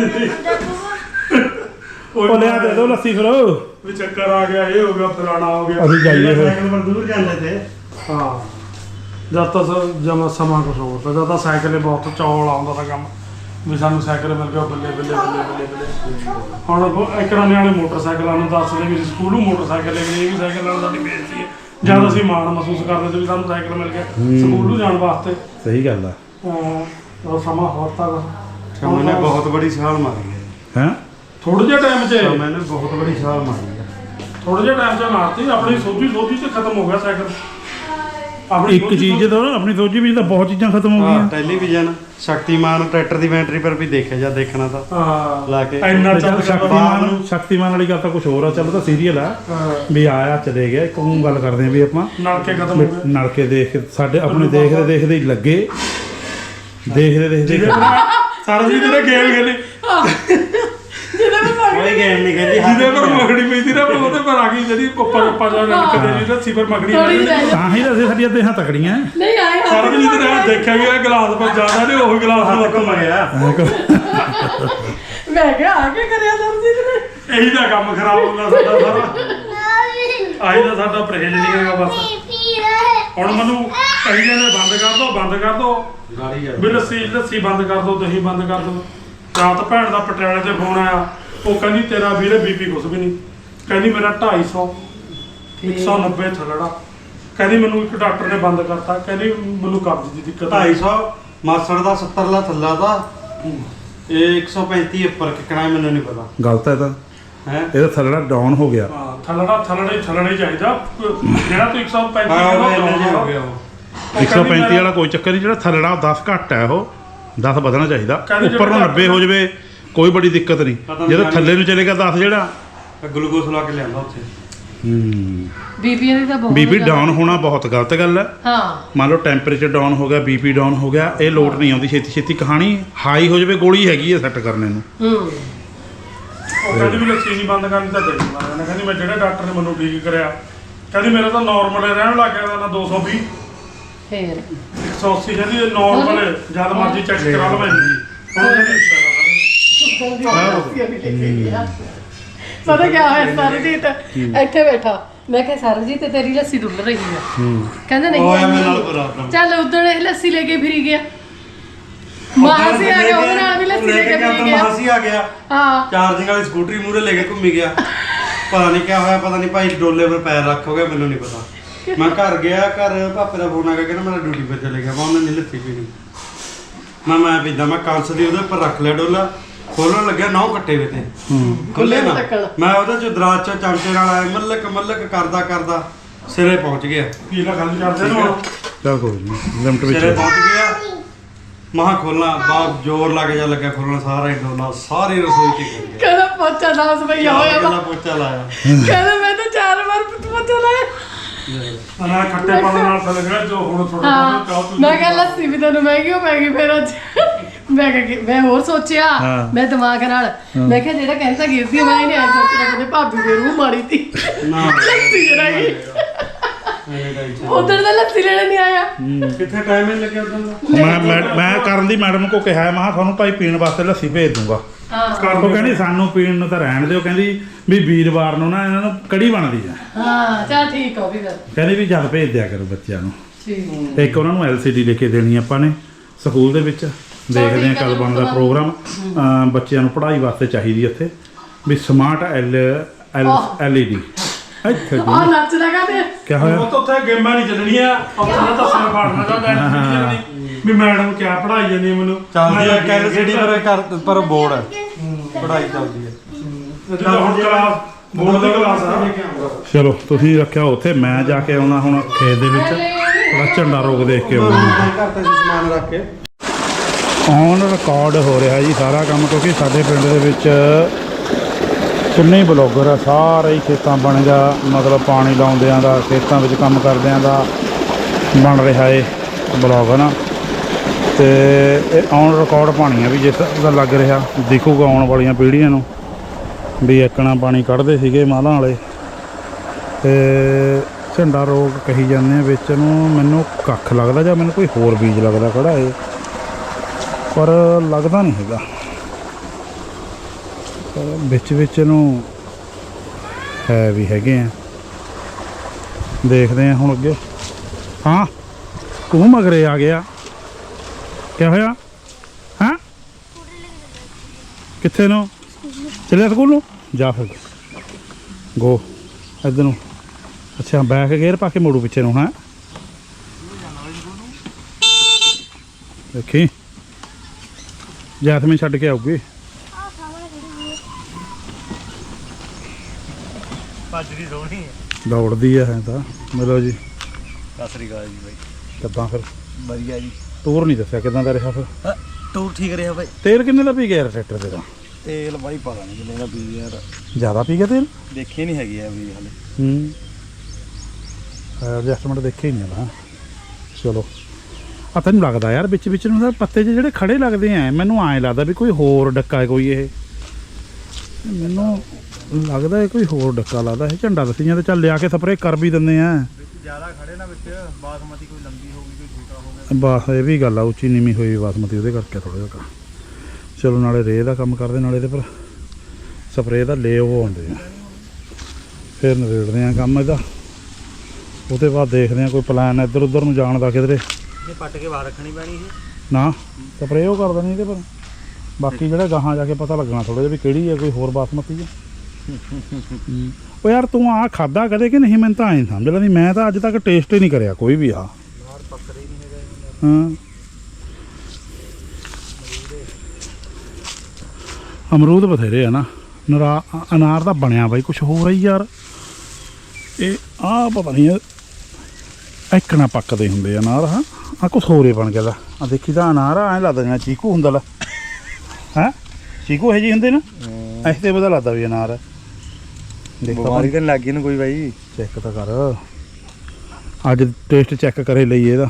[SPEAKER 1] ਉਹ ਲਿਆ ਦੇ ਦੋ ਲੱਸੀ ਫਿਰ
[SPEAKER 3] ਵੀ ਚੱਕਰ ਆ ਗਿਆ ਇਹ ਹੋ ਗਿਆ ਫਲਾਣਾ ਹੋ ਗਿਆ
[SPEAKER 1] ਅਸੀਂ ਜਾਈਏ ਫਿਰ
[SPEAKER 2] ਸਾਈਕਲ ਪਰ ਦੂਰ ਜਾਂਦੇ ਤੇ
[SPEAKER 3] ਹਾਂ ਜਦ ਤੱਕ ਜਮਾ ਸਮਾਂ ਕੁਛ ਹੋਰ ਤਾਂ ਜਦ ਤਾਂ ਸਾਈਕਲ ਹੀ ਬਹੁਤ ਚੌਲ ਆਉਂਦਾ ਤਾਂ ਕੰਮ ਵੀ ਸਾਨੂੰ ਸਾਈਕਲ ਮਿਲ ਗਿਆ ਬੱਲੇ ਬੱਲੇ ਬੱਲੇ ਬੱਲੇ ਬੱਲੇ ਹੁਣ ਇੱਕ ਨਾ ਨਿਆਣੇ ਮੋਟਰਸਾਈਕਲਾਂ ਨੂੰ ਦੱਸਦੇ ਵੀ ਸਕੂਲੋਂ ਮੋਟਰਸਾਈਕਲ ਲੈ ਗਏ ਵੀ ਸਾਈਕਲ ਨਾਲ ਸਾਡੀ ਬੇਇੱਜ਼ਤੀ ਹੈ ਜਦ ਅਸੀਂ ਮਾਣ ਮਹਿਸੂਸ ਕਰਦੇ ਤੇ ਵੀ ਸਾਨੂੰ ਸਾਈਕਲ ਮਿਲ ਗਿਆ ਸਕੂਲੋਂ ਜਾਣ ਵਾਸਤੇ
[SPEAKER 1] ਸਹੀ ਗੱਲ ਆ
[SPEAKER 3] ਉਹ ਸਮਾਂ ਹੋਰ ਤਾਂ
[SPEAKER 2] ਸਮੇਂ ਨੇ ਬਹੁਤ ਬੜੀ ਛਾਲ ਮਾਰੀ ਹੈ
[SPEAKER 1] ਹੈ
[SPEAKER 3] ਥੋੜੇ ਜਿਹੇ ਟਾਈਮ 'ਚ
[SPEAKER 2] ਸਮੇਂ ਨੇ ਬਹੁਤ ਬੜੀ ਛਾਲ ਮਾਰੀ ਹੈ
[SPEAKER 3] ਥੋੜੇ ਜਿਹੇ ਟਾਈਮ 'ਚ ਮਾਰਤੀ ਆਪਣੀ ਸੋਝੀ ਸੋਝੀ 'ਚ ਖਤਮ ਹੋ ਗਿਆ ਸਾਈਕਲ ਆਪਣੀ
[SPEAKER 1] ਇੱਕ ਚੀਜ਼ ਤਾਂ ਆਪਣੀ ਸੋਚੀ ਵਿੱਚ ਤਾਂ ਬਹੁਤ ਚੀਜ਼ਾਂ ਖਤਮ ਹੋ
[SPEAKER 2] ਹਾਂ
[SPEAKER 1] ਗਈਆਂ
[SPEAKER 2] ਟੈਲੀਵਿਜ਼ਨ ਸ਼ਕਤੀਮਾਨ ਟਰੈਕਟਰ ਦੀ ਬੈਟਰੀ ਪਰ ਵੀ ਦੇਖਿਆ ਜਾਂ ਦੇਖਣਾ ਤਾਂ
[SPEAKER 3] ਹਾਂ
[SPEAKER 2] ਲਾ ਕੇ
[SPEAKER 3] ਇੰਨਾ
[SPEAKER 1] ਚੱਲ
[SPEAKER 3] ਚੱਲ
[SPEAKER 1] ਸ਼ਕਤੀਮਾਨ ਸ਼ਕਤੀਮਾਨ ਵਾਲੀ ਗੱਲ ਤਾਂ ਕੁਝ ਹੋਰ ਆ ਚੱਲ ਤਾਂ ਸੀਰੀਅਲ ਆ ਵੀ ਆਇਆ ਚਲੇ ਗਿਆ ਇੱਕ ਉਹ ਗੱਲ ਕਰਦੇ ਆ ਵੀ ਆਪਾਂ
[SPEAKER 3] ਨਲਕੇ ਖਤਮ ਹੋ ਗਏ
[SPEAKER 1] ਨਲਕੇ ਦੇਖ ਸਾਡੇ ਆਪਣੇ ਦੇਖਦੇ ਦੇਖਦੇ ਹੀ ਲੱਗੇ ਦੇਖਦੇ ਦੇਖਦੇ
[SPEAKER 3] ਜਿਹਦੇ ਪਰ ਸਾਰਾ ਜੀ ਤੇਰੇ ਗੇਮ ਖੇਲੇ
[SPEAKER 4] ਜਿਹਦੇ ਮੈਂ
[SPEAKER 2] ਕੋਈ ਗੇਮ ਨਹੀਂ ਖੇਡੀ
[SPEAKER 3] ਜਿਹਦੇ ਪਰ ਮੱਖੜੀ ਪੈਂਦੀ ਨਾ ਉਹਦੇ ਪਰ ਆ ਗਈ ਜਿਹੜੀ ਉੱਪਰ ਉੱਪਰ ਜਾ ਨਲਕੇ ਦੇ ਜੀ ਰੱਸੀ ਪਰ ਮੱਖੜੀ
[SPEAKER 4] ਥੋੜੀ
[SPEAKER 3] ਪੈਂਦੀ
[SPEAKER 1] ਤਾਂ ਹੀ ਤਾਂ ਅਸੀਂ ਸਾਡੀਆਂ ਦੇਹਾਂ ਤਕੜੀਆਂ
[SPEAKER 4] ਨਹੀਂ ਆਏ
[SPEAKER 3] ਸਾਰਾ ਵੀ ਜਿਹਦੇ ਨਾਲ ਦੇਖਿਆ ਗਿਆ ਗਲਾਸ ਪਰ ਜ਼ਿਆਦਾ ਨੇ ਉਹੀ ਗਲਾਸ ਨੂੰ
[SPEAKER 2] ਹੱਥ ਘੁੰਮ ਗਿਆ
[SPEAKER 4] ਮੈਂ ਕਿਹਾ ਆ ਕੇ ਕਰਿਆ ਦਰਜੀ ਨੇ
[SPEAKER 3] ਇਹੀ ਤਾਂ ਕੰਮ ਖਰਾਬ ਹੁੰਦਾ ਸਾਡਾ ਸਾਰਾ ਆਹੀ ਤਾਂ ਸਾਡਾ ਪਰਹੇਜ ਨਹੀਂ ਹੈਗਾ ਬਸ ਹੁਣ ਮੈਨੂੰ ਕਹੀ ਜਾਂਦੇ ਬੰਦ ਕਰ ਦੋ ਬੰਦ ਕਰ ਦੋ
[SPEAKER 2] ਗਾੜੀ ਜਾ
[SPEAKER 3] ਵੀ ਲੱਸੀ ਲੱਸੀ ਬੰਦ ਕਰ ਦੋ ਦਹੀਂ ਬੰਦ ਕਰ ਦੋ ਰਾਤ ਭੈਣ ਦਾ ਪਟਿਆਲੇ ਤੇ ਫੋਨ ਆਇਆ ਉਹ ਕਹਿੰਦੀ ਤੇਰਾ ਵੀਰੇ ਬੀਪੀ ਕੁਛ ਵੀ ਨਹੀਂ ਕਹਿੰਦੀ ਮੇਰਾ ਢਾਈ ਸੌ ਇੱਕ ਸੌ ਨੱਬੇ ਥੱਲੜਾ ਕਹਿੰਦੀ ਮੈਨੂੰ ਇੱਕ ਡਾਕਟਰ ਨੇ ਬੰਦ ਕਰਤਾ ਕਹਿੰਦੀ ਮੈਨੂੰ ਕਬਜ਼ ਦੀ ਦਿੱਕਤ
[SPEAKER 2] ਢਾਈ ਸੌ ਮਾਸੜ ਦਾ ਸੱਤਰ ਲਾ ਥੱਲਾ ਦਾ ਇਹ ਇੱਕ ਸੌ ਪੈਂਤੀ ਉੱਪਰ ਕਿਕਣਾ ਮੈਨੂੰ ਨਹੀਂ ਪਤਾ
[SPEAKER 1] ਗਲਤ ਹੈ ਤਾਂ
[SPEAKER 2] ਹੈ
[SPEAKER 1] ਇਹਦਾ ਥੱਲੜਾ ਡਾਊਨ ਹੋ ਗਿਆ
[SPEAKER 3] ਹਾਂ ਥੱਲੜਾ ਥੱਲੜਾ ਹੀ ਥੱਲੜਾ ਹੀ ਚਾਹੀਦਾ ਜਿਹੜਾ ਤੂੰ ਇੱਕ ਸੌ ਪੈਂਤੀ
[SPEAKER 2] ਹਾਂ ਉਹ
[SPEAKER 3] ਕਹਿੰਦਾ
[SPEAKER 2] ਇੰਨਾ ਜਿਹਾ ਹੋ
[SPEAKER 3] ਹੋ
[SPEAKER 2] ਗਿਆ ਉਹ
[SPEAKER 1] ਇੱਕ ਸੌ ਪੈਂਤੀ ਵਾਲਾ ਕੋਈ ਚੱਕਰ ਨਹੀਂ ਜਿਹੜਾ ਥੱਲੜਾ ਦਸ ਘੱਟ ਹੈ ਉਹ ਦਸ ਵਧਣਾ ਚਾਹੀਦਾ
[SPEAKER 3] ਕਹਿੰਦੇ
[SPEAKER 1] ਉੱਪਰ ਨੂੰ
[SPEAKER 3] ਜਿਹੜਾ
[SPEAKER 1] ਨੱਬੇ ਹੋ ਜਾਵੇ ਕੋਈ ਬੜੀ ਦਿੱਕਤ ਨਹੀਂ
[SPEAKER 2] ਪਤਾ ਨੀ
[SPEAKER 1] ਜਦੋਂ
[SPEAKER 2] ਜਾਣੀ-
[SPEAKER 1] ਥੱਲੇ ਨੂੰ ਚਲੇਗਾ ਦਸ ਜਿਹੜਾ
[SPEAKER 2] ਗਲੂਕੋਸ ਲਾ ਕੇ ਲਿਆਂਦਾ ਉੱਥੇ
[SPEAKER 1] ਹੂੰ
[SPEAKER 4] ਬੀਬੀ ਦੀ ਤਾਂ ਬਹੁਤ
[SPEAKER 1] ਬੀਪੀ
[SPEAKER 4] ਜ਼ਿਆਦਾ-
[SPEAKER 1] ਡਾਊਨ ਹੋਣਾ ਬਹੁਤ ਗਲਤ ਗੱਲ ਹੈ
[SPEAKER 4] ਹਾਂ
[SPEAKER 1] ਮੰਨ ਲਓ ਟੈਂਪਰੇਚਰ ਡਾਊਨ ਹੋ ਗਿਆ ਬੀਪੀ ਡਾਊਨ ਹੋ ਗਿਆ ਇਹ ਲੋਟ ਨਹੀਂ ਆਉਂਦੀ ਛੇਤੀ ਛੇਤੀ ਕਹਾਣੀ ਹਾਈ ਹੋ ਜਾਵੇ ਗੋਲੀ ਹੈਗੀ ਹੈ ਸੈੱਟ ਕਰਨੇ ਨੂੰ
[SPEAKER 4] ਹੂੰ
[SPEAKER 3] ਉਹ ਕਹਿੰਦੀ ਵੀ ਲੱਸੀ ਨਹੀਂ ਬੰਦ ਕਰਨੀ ਤਾਂ ਦੇ ਦੂੰਗਾ ਮੈਂ ਕਹਿੰਦੀ ਮੈਂ ਜਿਹੜੇ ਡਾਕਟਰ ਨੇ ਮੈਨੂੰ ਠੀਕ ਕਰਿਆ ਕਹਿੰਦੀ ਮੇਰਾ ਤਾਂ ਨਾਰਮਲ ਰਹਿਣ ਲੱਗ ਗਿਆ ਨਾ ਦੋ ਸੌ ਵੀਹ
[SPEAKER 4] ਫੇਰ
[SPEAKER 3] ਇੱਕ ਸੌ ਅੱਸੀ ਕਹਿੰਦੀ ਨਾਰਮਲ ਜਦ ਮਰਜ਼ੀ ਚੈੱਕ ਕਰਾ ਲਵਾਂ ਜੀ ਹੁਣ ਕਹਿੰਦੀ
[SPEAKER 4] ਪਤਾ ਕੀ ਹੋਇਆ ਸਰਜੀਤ ਇੱਥੇ ਬੈਠਾ ਮੈਂ ਕਿਹਾ ਸਰਜੀਤ ਤੇਰੀ ਲੱਸੀ ਡੁੱਲ ਰਹੀ ਹੈ ਕਹਿੰਦਾ ਨਹੀਂ
[SPEAKER 2] ਉਹ ਐਵੇਂ ਨਾਲ ਬਰਾਬਰ
[SPEAKER 4] ਚੱਲ ਉਧਰ ਇਹ ਲੱਸੀ ਲੈ ਕੇ ਫਿਰੀ ਗਿਆ ਮਾਸੀ ਆ ਗਿਆ ਉਹਦੇ ਨਾਲ ਵੀ ਲੱਸੀ ਲੈ ਕੇ ਫਿਰੀ ਗਿਆ
[SPEAKER 2] ਮਾਸੀ ਆ ਗਿਆ
[SPEAKER 4] ਹਾਂ
[SPEAKER 2] ਚਾਰਜਿੰਗ ਵਾਲੀ ਸਕੂਟਰੀ ਮੂਹਰੇ ਲੈ ਕੇ ਘੁੰਮੀ ਗਿਆ ਪਤਾ ਨਹੀਂ ਕਿਆ ਹੋਇਆ ਪਤਾ ਨਹੀਂ ਭਾਈ ਡੋਲੇ 'ਤੇ ਪੈਰ ਰੱਖੋਗੇ ਮੈਨੂੰ ਨਹੀਂ ਪਤਾ ਮੈਂ ਘਰ ਗਿਆ ਘਰ ਪਾਪੇ ਦਾ ਫੋਨ ਆ ਗਿਆ ਕਹਿੰਦਾ ਮੇਰਾ ਡਿਊਟੀ 'ਤੇ ਚਲੇ ਗਿਆ ਮੈਂ ਉਹਨੇ ਨਹੀਂ ਲੱਸੀ ਪੀਣੀ ਮੈਂ ਮੈਂ ਪੀਂਦਾ ਮੈਂ ਕੰਸ ਦੀ ਉਹਦੇ ਉੱਪਰ ਰੱਖ ਲਿਆ ਡੋਲਾ ਖੋਲਣ ਲੱਗਿਆ ਨੌ ਕੱਟੇ ਵੇ ਤੇ ਖੁੱਲੇ ਨਾ ਮੈਂ ਉਹਦੇ ਚ ਦਰਾਜ ਚ ਚਮਚੇ ਨਾਲ ਆਇਆ ਮੱਲਕ ਮੱਲਕ ਕਰਦਾ ਕਰਦਾ ਸਿਰੇ ਪਹੁੰਚ ਗਿਆ
[SPEAKER 3] ਕੀ ਲਾ ਗੱਲ ਕਰਦੇ ਨੇ ਹੁਣ
[SPEAKER 1] ਚਲ ਕੋਈ ਨਹੀਂ ਲਿਮਟ
[SPEAKER 2] ਸਿਰੇ
[SPEAKER 1] ਵਿੱਚ
[SPEAKER 2] ਪਹੁੰਚ ਗਿਆ ਮਹਾ ਖੋਲਣਾ ਬਾਪ ਜ਼ੋਰ ਲਾ ਕੇ ਜਾ ਲੱਗਾ ਖੋਲਣਾ ਸਾਰਾ ਹੀ ਡੋਲਾ ਸਾਰੀ ਰਸੋਈ ਚ ਗਿਰ ਗਿਆ
[SPEAKER 4] ਕਹਿੰਦਾ ਪੋਚਾ ਦਸ ਭਈਆ ਹੋਇਆ ਵਾ
[SPEAKER 2] ਪਹਿਲਾ ਪੋਚਾ ਲਾਇਆ
[SPEAKER 4] ਕਹਿੰਦਾ ਮੈਂ ਤਾਂ ਚਾਰ ਵਾਰ ਪੋਚਾ ਲਾਇਆ
[SPEAKER 3] ਅਨਾ ਖੱਟੇ ਪਾਣ ਨਾਲ ਥੱਲੇ ਗਿਆ ਜੋ ਹੁਣ ਥੋੜਾ
[SPEAKER 4] ਹਾਂ
[SPEAKER 3] ਚਾਹ ਤੂੰ
[SPEAKER 4] ਮੈਂ ਕਿਹਾ ਲੱਸੀ ਵੀ ਤੈਨੂੰ ਮਹਿੰਗੀ ਹੋ ਪੈ ਗਈ ਫਿਰ ਅੱਜ ਮੈਂ ਕਿਹਾ ਕਿ- ਮੈਂ ਹੋਰ ਸੋਚਿਆ
[SPEAKER 1] ਹਾਂ।
[SPEAKER 4] ਮੈਂ ਦਿਮਾਗ ਨਾਲ ਮੈਂ ਕਿਹਾ ਜਿਹੜਾ ਕਹਿੰਦਾ ਗਿਰਦੀ ਆ, ਮੈਂ ਇਹਨੇ ਐ ਸੋਚਿਆ ਕਦੇ ਭਾਬੀ ਦੇ ਰੂਹ ਮਾਰੀ ਤੀ
[SPEAKER 2] ਨਾ
[SPEAKER 4] ਲੱਸੀ ਜਰਾ ਗਈ
[SPEAKER 2] ਐਵੇਂ ਦਾ ਹੀ ਸੀ।
[SPEAKER 4] ਉਧਰ ਦਾ ਲੱਸੀ ਲੈਣ ਨਹੀਂ ਆਇਆ
[SPEAKER 2] ਕਿੱਥੇ ਟਾਈਮ ਹੀ ਲੱਗਿਆ ਉਦੋਂ ਦਾ
[SPEAKER 1] ਮੈਂ ਮੈਂ- ਮੈਂ ਕਰਨ ਦੀ ਮੈਡਮ ਕੋ ਕਿਹਾ ਮੈਂ ਕਿਹਾ ਤੁਹਾਨੂੰ ਭਾਈ ਪੀਣ ਵਾਸਤੇ ਲੱਸੀ ਭੇਜ ਦੂੰਗਾ
[SPEAKER 4] ਹਾਂ
[SPEAKER 1] ਉਹ ਕਹਿੰਦੀ ਸਾਨੂੰ ਪੀਣ ਨੂੰ ਤਾਂ ਰਹਿਣ ਦਿਓ ਕਹਿੰਦੀ ਵੀ ਵੀਰਵਾਰ ਨੂੰ ਨਾ ਇਹਨਾਂ ਨੂੰ ਕੜੀ ਬਣਦੀ ਆ
[SPEAKER 4] ਹਾਂ ਚੱਲ ਠੀਕ ਆ ਉਹ ਵੀ ਫਿਰ
[SPEAKER 1] ਕਹਿੰਦੀ ਵੀ ਜਦ ਭੇਜ ਦਿਆ ਕਰੋ ਬੱਚਿਆਂ ਨੂੰ
[SPEAKER 4] ਠੀਕ
[SPEAKER 1] ਇੱਕ ਉਹਨਾਂ ਨੂੰ ਐਲ ਸੀ ਡੀ ਲੈ ਕੇ ਦੇਣੀ ਆਪਾਂ ਨੇ ਸਕੂਲ ਦੇ ਵਿੱਚ ਦੇਖਦੇ ਆ ਕਦ ਬਣਦਾ ਪ੍ਰੋਗਰਾਮ ਅਮ ਬੱਚਿਆਂ ਨੂੰ ਪੜ੍ਹਾਈ ਵਾਸਤੇ ਚਾਹੀਦੀ ਇੱਥੇ ਵੀ smart L L L E D ਇੱਥੇ
[SPEAKER 4] ਆ ਨੱਚ ਲਗਾ ਤੇ
[SPEAKER 1] ਕੀ ਹੋਇਆ
[SPEAKER 3] ਉਹ ਤਾਂ ਉੱਥੇ ਗੇਮਾਂ ਨਹੀਂ ਚੱਲਣੀਆਂ ਆਪਣਾ ਤਾਂ ਸਿਰ ਫਾੜਨਾ ਦਾ ਮੈਂ ਵੀ ਮੈਡਮ ਕਿਆ ਪੜਾਈ ਜਾਂਦੀ ਹੈ ਮੈਨੂੰ
[SPEAKER 2] ਚੱਲਦੀ ਹੈ ਕੈਲਸੀਡੀ ਪਰ ਕਰ ਪਰ ਬੋਰਡ ਹੈ ਪੜਾਈ ਚੱਲਦੀ ਹੈ
[SPEAKER 3] ਜਦੋਂ ਹੁਣ ਕਲਾਸ ਬੋਰਡ ਦੀ ਕਲਾਸ ਆ
[SPEAKER 1] ਚਲੋ ਤੁਸੀਂ ਰੱਖਿਆ ਉੱਥੇ ਮੈਂ ਜਾ ਕੇ ਆਉਣਾ ਹੁਣ ਖੇਤ ਦੇ ਵਿੱਚ ਥੋੜਾ ਝੰਡਾ ਰੋਕ ਦੇਖ ਕੇ ਆਉਣਾ
[SPEAKER 2] ਘਰ ਤੇ ਸਮਾਨ ਰੱਖ ਕੇ
[SPEAKER 1] ਔਨ ਰਿਕਾਰਡ ਹੋ ਰਿਹਾ ਜੀ ਸਾਰਾ ਕੰਮ ਕਿਉਂਕਿ ਸਾਡੇ ਪਿੰਡ ਦੇ ਵਿੱਚ ਕਿੰਨੇ ਹੀ ਬਲੌਗਰ ਆ ਸਾਰੇ ਹੀ ਖੇਤਾਂ ਬਣ ਗਿਆ ਮਤਲਬ ਪਾਣੀ ਲਾਉਂਦਿਆਂ ਦਾ ਖੇਤਾਂ ਵਿੱਚ ਕੰਮ ਕਰਦਿਆਂ ਦਾ ਬਣ ਰਿਹਾ ਏ ਬਲੌਗ ਹੈ ਨਾ ਤੇ ਇਹ ਔਨ ਰਿਕਾਰਡ ਪਾਣੀ ਆ ਵੀ ਜਿਸ ਦਾ ਲੱਗ ਰਿਹਾ ਦਿਖੂਗਾ ਆਉਣ ਵਾਲੀਆਂ ਪੀੜ੍ਹੀਆਂ ਨੂੰ ਵੀ ਇੱਕਣਾ ਪਾਣੀ ਕੱਢਦੇ ਸੀਗੇ ਮਾਲਾਂ ਵਾਲੇ ਤੇ ਝੰਡਾ ਰੋਗ ਕਹੀ ਜਾਂਦੇ ਆ ਵਿੱਚ ਨੂੰ ਮੈਨੂੰ ਕੱਖ ਲੱਗਦਾ ਜਾਂ ਮੈਨੂੰ ਕੋਈ ਹੋਰ ਬੀਜ ਲੱਗਦਾ ਖੜਾ ਏ ਪਰ ਲੱਗਦਾ ਨਹੀਂ ਹੈਗਾ ਪਰ ਵਿੱਚ ਵਿੱਚ ਨੂੰ ਹੈ ਵੀ ਹੈਗੇ ਆ ਦੇਖਦੇ ਆ ਹੁਣ ਅੱਗੇ ਹਾਂ ਤੂੰ ਮਗਰੇ ਆ ਗਿਆ ਕਿਆ ਹੋਇਆ ਹਾਂ ਕਿੱਥੇ ਨੂੰ ਚੱਲਿਆ ਸਕੂਲ ਨੂੰ ਜਾ ਫਿਰ ਗੋ ਇੱਧਰ ਨੂੰ ਅੱਛਾ ਬੈਕ ਗੇਅਰ ਪਾ ਕੇ ਮੋੜੂ ਪਿੱਛੇ ਨੂੰ ਹਾਂ ਦੇਖੀ ਜੈਸਮੀਨ ਛੱਡ ਕੇ ਆਊਗੀ
[SPEAKER 2] ਭੱਜਦੀ ਸੋਹਣੀ ਹੈ
[SPEAKER 1] ਦੌੜਦੀ ਆ ਹੈ ਤਾਂ ਮਿਲੋ ਜੀ
[SPEAKER 2] ਸਤਿ ਸ੍ਰੀ ਅਕਾਲ ਜੀ ਬਾਈ
[SPEAKER 1] ਕਿੱਦਾਂ ਫਿਰ
[SPEAKER 2] ਵਧੀਆ ਜੀ
[SPEAKER 1] ਟੂਰ ਨਹੀਂ ਦੱਸਿਆ ਕਿੱਦਾਂ ਦਾ ਰਿਹਾ ਫਿਰ
[SPEAKER 2] ਟੂਰ ਠੀਕ ਰਿਹਾ ਬਾਈ
[SPEAKER 1] ਤੇਲ ਕਿੰਨੇ ਦਾ ਪੀ ਗਿਆ ਯਾਰ ਟਰੈਕਟਰ ਤੇ ਤਾਂ
[SPEAKER 2] ਤੇਲ ਬਾਈ ਪਤਾ ਨਹੀਂ ਕਿੰਨੇ ਦਾ ਪੀ ਯਾਰ
[SPEAKER 1] ਜ਼ਿਆਦਾ ਪੀ ਗਿਆ ਤੇਲ
[SPEAKER 2] ਦੇਖੀ ਨਹੀਂ ਹੈਗੀ ਆ ਵੀ ਹਲੇ
[SPEAKER 1] ਹੂੰ ਐਡਜਸਟਮੈਂਟ ਦੇਖੇ ਹੀ ਨਹੀਂ ਨਾ ਚਲੋ ਆ ਤੈਨੂੰ ਲੱਗਦਾ ਯਾਰ ਵਿੱਚ ਵਿੱਚ ਨੂੰ ਤਾਂ ਪੱਤੇ ਜਿਹੇ ਜਿਹੜੇ ਖੜੇ ਲੱਗਦੇ ਆ ਮੈਨੂੰ ਐਂ ਲੱਗਦਾ ਵੀ ਕੋਈ ਹੋਰ ਡੱਕਾ ਹੈ ਕੋਈ ਇਹ ਮੈਨੂੰ ਲੱਗਦਾ ਇਹ ਕੋਈ ਹੋਰ ਡੱਕਾ ਲੱਗਦਾ ਇਹ ਝੰਡਾ ਦਸੀਆਂ ਤੇ ਚੱਲ ਲਿਆ ਕੇ ਸਪਰੇਅ ਕਰ ਵੀ ਦਿੰਦੇ ਆ
[SPEAKER 2] ਜ਼ਿਆਦਾ ਖੜੇ ਨਾ ਵਿੱਚ ਬਾਸਮਤੀ ਕੋਈ ਲੰਬੀ ਹੋ ਗਈ ਕੋਈ ਛੋਟਾ ਹੋ ਗਿਆ
[SPEAKER 1] ਬਸ ਇਹ ਵੀ ਗੱਲ ਆ ਉੱਚੀ ਨੀਵੀਂ ਹੋਈ ਬਾਸਮਤੀ ਉਹਦੇ ਕਰਕੇ ਥੋੜ੍ਹਾ ਜਿਹਾ ਚਲੋ ਨਾਲੇ ਰੇਹ ਦਾ ਕੰਮ ਕਰਦੇ ਨਾਲੇ ਇਹਦੇ ਪਰ ਸਪਰੇਅ ਦਾ ਲੈ ਉਹ ਆਉਂਦੇ ਆ ਫਿਰ ਨਵੇੜਦੇ ਆ ਕੰਮ ਇਹਦਾ ਉਹਦੇ ਬਾਅਦ ਦੇਖਦੇ ਆ ਕੋਈ ਪਲਾਨ ਇੱਧਰ ਉੱਧਰ ਨੂੰ ਜਾਣ ਦਾ ਕਿਧਰੇ
[SPEAKER 2] ਇਹ ਪੱਟ ਕੇ ਬਾਹਰ ਰੱਖਣੀ ਪੈਣੀ ਸੀ
[SPEAKER 1] ਨਾ ਸਪਰੇਅ ਉਹ ਕਰ ਦੇਣੀ ਇਹਦੇ ਪਰ ਬਾਕੀ ਜਿਹੜਾ ਗਾਹਾਂ ਜਾ ਕੇ ਪਤਾ ਲੱਗਣਾ ਥੋੜ੍ਹਾ ਜਿਹਾ ਵੀ ਕਿਹੜੀ ਹੈ ਕੋਈ ਹੋਰ ਬਾਸਮਤੀ ਹੈ ਉਹ ਯਾਰ ਤੂੰ ਆਹ ਖਾਦਾ ਕਦੇ ਕਿ ਨਹੀਂ ਮੈਨੂੰ ਤਾਂ ਐਂ ਸਮਝ ਲੈਂਦੀ ਮੈਂ ਤਾਂ ਅੱਜ ਤੱਕ ਟੇਸਟ ਹੀ ਨਹੀਂ ਕਰਿਆ ਕੋਈ ਵੀ ਆ ਹਾਂ ਅਮਰੂਦ ਬਥੇਰੇ ਆ ਨਾ ਨਰਾ ਅਨਾਰ ਦਾ ਬਣਿਆ ਬਾਈ ਕੁਛ ਹੋਰ ਹੀ ਯਾਰ ਇਹ ਆਹ ਪਤਾ ਨਹੀਂ ਇੱਕ ਨਾ ਪੱਕਦੇ ਹੁੰਦੇ ਅਨਾਰ ਹਾਂ ਆ ਕੁਛ ਹੋਰ ਹੀ ਬਣ ਗਿਆ ਦਾ ਆ ਦੇਖੀ ਤਾਂ ਅਨਾਰ ਐਂ ਲੱਗਦਾ ਜਿਵੇਂ ਚੀਕੂ ਹੁੰਦਾ ਲਾ ਹੈਂ ਚੀਕੂ ਇਹ ਜੀ ਹੁੰਦੇ ਨਾ ਐਸੇ ਤੇ ਪਤਾ ਲੱਗਦਾ ਵੀ ਅਨਾਰ ਦੇਖ
[SPEAKER 2] ਬਿਮਾਰੀ ਤਾਂ ਲੱਗ ਗਈ ਨਾ ਕੋਈ ਬਾਈ
[SPEAKER 1] ਚੈੱਕ ਤਾਂ ਕਰ ਅੱਜ ਟੇਸਟ ਚੈੱਕ ਕਰੇ ਲਈ ਇਹਦਾ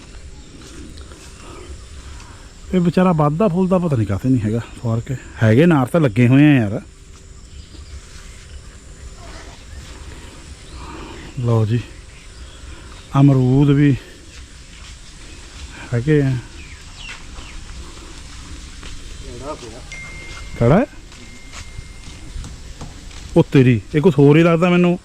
[SPEAKER 1] ਇਹ ਵਿਚਾਰਾ ਵੱਧਦਾ ਫੁੱਲਦਾ ਪਤਾ ਨਹੀਂ ਕਾਹਤੇ ਨਹੀਂ ਹੈਗਾ ਫਰਕ ਹੈਗੇ ਨਾਰ ਤਾਂ ਲੱਗੇ ਹੋਏ ਆ ਯਾਰ ਲਓ ਜੀ ਅਮਰੂਦ ਵੀ ਹੈਗੇ ਆ ਕਿਹੜਾ ਉਹ ਤੇਰੀ ਇਹ ਕੁਛ ਹੋਰ ਹੀ ਲੱਗਦਾ ਮੈਨੂੰ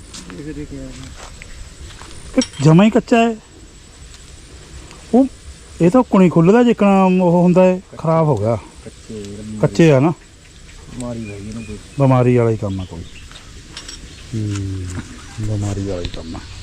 [SPEAKER 1] ਜਮਾ ਹੀ ਕੱਚਾ ਹੈ ਉਹ ਇਹ ਤਾਂ ਕੁਣੀ ਖੁੱਲਦਾ ਜਿੱਕਣਾ ਉਹ ਹੁੰਦਾ ਹੈ ਖਰਾਬ ਹੋ ਗਿਆ
[SPEAKER 2] ਕੱਚੇ
[SPEAKER 1] ਕੱਚੇ ਆ ਨਾ
[SPEAKER 2] ਬਿਮਾਰੀ ਹੈਗੀ ਨਾ ਕੋਈ
[SPEAKER 1] ਬਿਮਾਰੀ ਵਾਲਾ ਹੀ ਕੰਮ ਆ ਕੋਈ ਬਿਮਾਰੀ ਵਾਲਾ ਹੀ ਕੰਮ ਆ